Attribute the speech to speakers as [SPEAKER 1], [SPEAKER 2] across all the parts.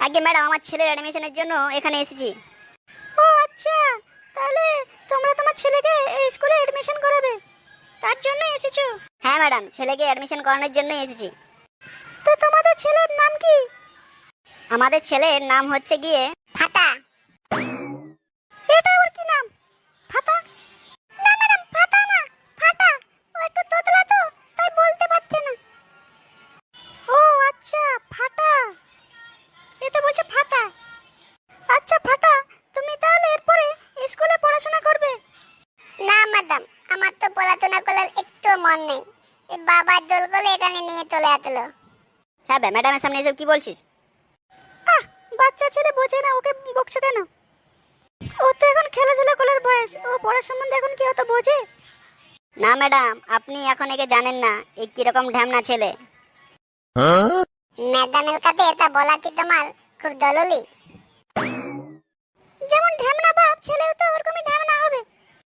[SPEAKER 1] আগে ম্যাডাম, আমার ছেলের অ্যাডমিশনের জন্য এখানে এসেছি।
[SPEAKER 2] ও আচ্ছা, তাহলে তোমরা তোমার ছেলেকে এই স্কুলে এডমিশন করাবে, তার জন্য এসেছো?
[SPEAKER 1] হ্যাঁ ম্যাডাম, ছেলেকে অ্যাডমিশন করানোর জন্য এসেছি।
[SPEAKER 2] তো তোমাদের ছেলের নাম কি?
[SPEAKER 1] আমাদের ছেলের নাম হচ্ছে গিয়ে ফাতা।
[SPEAKER 2] এটা আবার কি নাম, ফাতা? না ম্যাডাম, ফাতা না, ফাটা। ও একটু তোতলা তো, তাই বলতে পারছে না। ও আচ্ছা, ফাটা। এ তো বলছে ফাতা। আচ্ছা ফাটা, তুমি তাহলে এরপরে স্কুলে পড়াশোনা করবে?
[SPEAKER 3] না ম্যাডাম, আমার তো পড়াশোনা করার একটু মন নেই। বাবার দোল করে এখানে নিয়ে চলে আসলো।
[SPEAKER 1] হ্যাঁ ম্যাডামের সামনে এসব কি বলছিস?
[SPEAKER 2] বাচ্চা ছেলে বোঝে না, ওকে বকছো কেন? ও তো এখন খেলাধুলা করার বয়স, ও পড়ার সম্বন্ধে এখন কি অত বোঝে?
[SPEAKER 1] না ম্যাডাম, আপনি এখন একে জানেন না, এই কিরকম ঢ্যামনা ছেলে।
[SPEAKER 3] ম্যাডামের কাছে এটা বলা কি তোমার খুব জরুরি?
[SPEAKER 2] যেমন ঢ্যামনা বাপ, ছেলেও তো ওরকমই ঢ্যামনা হবে।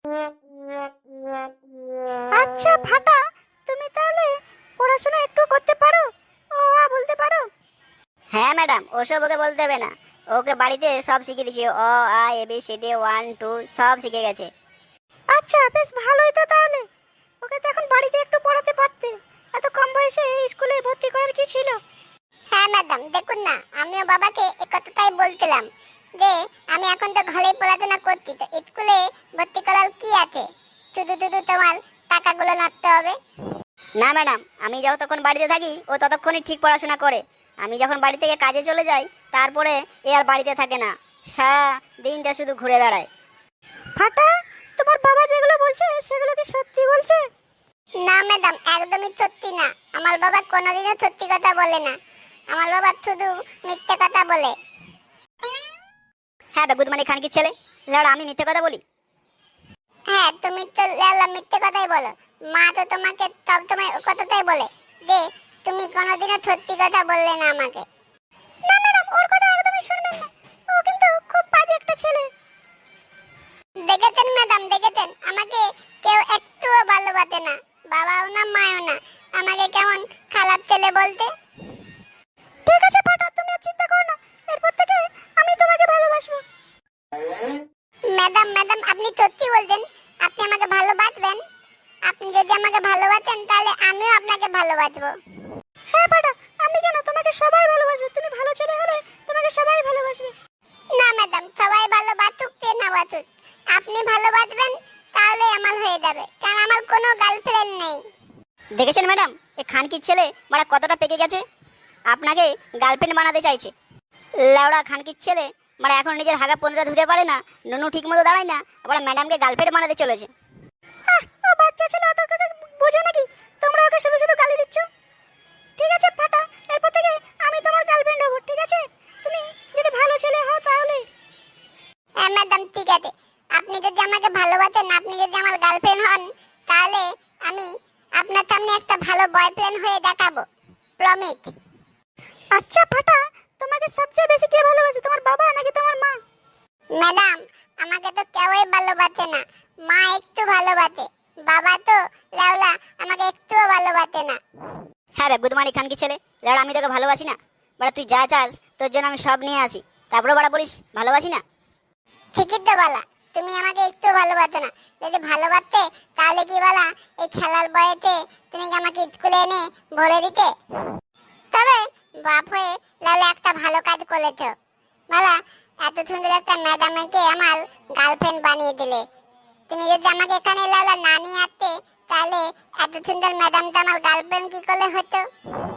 [SPEAKER 2] আচ্ছা ফাটা, তুমি তাহলে পড়াশোনা একটু করতে পারো? ও বলতে পারো?
[SPEAKER 1] হ্যাঁ ম্যাডাম, ওসব ওকে বলতে হবে না, ওকে বাড়িতে সব শিখিয়ে দিয়েছি। অ আ এ বি সি ডি 1 2 সব শিখে গেছে।
[SPEAKER 2] আচ্ছা বেশ ভালোই তো তাহলে। ওকে তো এখন বাড়িতে একটু পড়াতে পারতে, এত কম বয়সে এই স্কুলে ভর্তি করার কি ছিল?
[SPEAKER 3] হ্যাঁ ম্যাডাম, দেখুন না, আমিও বাবাকে এই কথাটাই বলছিলাম যে আমি এখন তো ঘরেই পড়াশোনা করছি, তো স্কুলে ভর্তি করার কি আছে? শুধু শুধু তোমার টাকাগুলো নষ্ট হবে।
[SPEAKER 1] না ম্যাডাম, আমি যতক্ষণ বাড়িতে থাকি ও ততক্ষণই ঠিক পড়াশোনা করে। আমি যখন বাড়ি থেকে কাজে চলে যাই, তারপরে এ আর বাড়িতে থাকে না, সারা দিনটা শুধু ঘুরে বেড়ায়।
[SPEAKER 2] ফাটা, তোমার বাবা যেগুলো বলছে সেগুলো কি সত্যি বলছে?
[SPEAKER 3] না ম্যাডাম, একদমই সত্যি না। আমার বাবা কোনোদিনও সত্যি কথা বলে না। আমার বাবা শুধু মিথ্যে কথা বলে।
[SPEAKER 1] হ্যাঁ বেগুদমানি খানকির ছেলে, লেওড়া আমি মিথ্যে কথা বলি?
[SPEAKER 3] হ্যাঁ, তুমি তো লালা মিথ্যে কথাই বলো। মা তো তোমাকে সব সময় ও কথাটাই বলে যে তুমি কোনোদিনও সত্যি কথা বললে না আমাকে।
[SPEAKER 2] না ম্যাডাম, ওর কথা একদমই শুনবেন না, ও কিন্তু খুব বাজে একটা ছেলে।
[SPEAKER 3] দেখেছেন ম্যাডাম, দেখেছেন, আমাকে কেউ একটুও ভালোবাসে না, বাবাও না মাও না। আমাকে কেমন খারাপ ছেলে বলতে।
[SPEAKER 2] ঠিক আছে ফাটা, তুমি আর চিন্তা করো না, এরপর থেকে আমি তোমাকে ভালোবাসবো।
[SPEAKER 3] ম্যাডাম ম্যাডাম, আপনি সত্যি বলছেন? আপনি আমাকে ভালোবাসবেন? আপনি যদি আমাকে ভালোবাসেন তাহলে আমিও আপনাকে ভালোবাসবো।
[SPEAKER 2] হ্যাঁ ফাটা, আমি কেন, তোমাকে সবাই ভালোবাসবে। তুমি ভালো ছেলে হলে তোমাকে সবাই ভালোবাসবে।
[SPEAKER 3] না ম্যাডাম, সবাই ভালোবাসুক কে না বাসুক, আপনি ভালোবাসবেন তাহলে আমার হয়ে যাবে, কারণ আমার কোনো গার্লফ্রেন্ড নেই।
[SPEAKER 1] দেখেছেন ম্যাডাম, এ খানকির ছেলে মারা কতটা পেকে গেছে, আপনাকে গার্লফ্রেন্ড বানাতে চাইছে। লেওড়া খানকির ছেলে মারা এখন নিজের হাগা 15 ধুতে পারে না, নুনু ঠিক মতো দাঁড়ায় না, আবার ম্যাডামকে গার্লফ্রেন্ড বানাতে চলেছে।
[SPEAKER 2] ও বাচ্চা ছেলে, অত কিছু বোঝে নাকি? তোমরা ওকে শুধু শুধু গালি দিচ্ছ। ঠিক আছে ফাটা, এরপর থেকে আমি তোমার গার্লফ্রেন্ড হব, ঠিক আছে? তুমি যদি ভালো ছেলে হও তাহলে।
[SPEAKER 3] হ্যাঁ ম্যাডাম, ঠিক আছে। আপনি যদি আমাকে ভালোবাসেন, আপনি যদি আমার গার্লফ্রেন্ড হন, তাহলে আমি আপনার সামনে একটা ভালো বয়ফ্রেন্ড হয়ে দেখাবো, প্রমিস।
[SPEAKER 2] আচ্ছা ফাটা, তোমাকে সবচেয়ে বেশি কে ভালোবাসে, তোমার বাবা নাকি তোমার মা?
[SPEAKER 3] ম্যাডাম, আমাকে তো কেউই ভালোবাসে না। মা একটু ভালোবাসে, বাবা তো লাউলা আমাকে একটুও ভালোবাসে না।
[SPEAKER 1] হ্যাঁ বেগুদমানি খানকির ছেলে, লেওড়া আমি তোকে ভালোবাসি না? বাড়া তুই যা চাস তোর জন্য আমি সব নিয়ে আসি, তারপরে বাড়া বলিস ভালোবাসি না?
[SPEAKER 3] ঠিকই তো বলা, তুমি আমাকে একটু ভালোবাসো না। যদি ভালোবাসতে তাহলে কি বলা এই খেলার বয়েতে তুমি কি আমাকে স্কুলে এনে ভরে দিতে? তবে বাপ হয়ে লাউলা একটা ভালো কাজ করেছো বলা, এত সুন্দর একটা ম্যাডামকে আমার গার্লফ্রেন্ড বানিয়ে দিলে। তুমি যদি আমাকে এখানে লাউলা না নিয়ে আসতে, তাহলে এত সুন্দর ম্যাডামটা আমার গার্লফ্রেন্ড কি করলে হতো?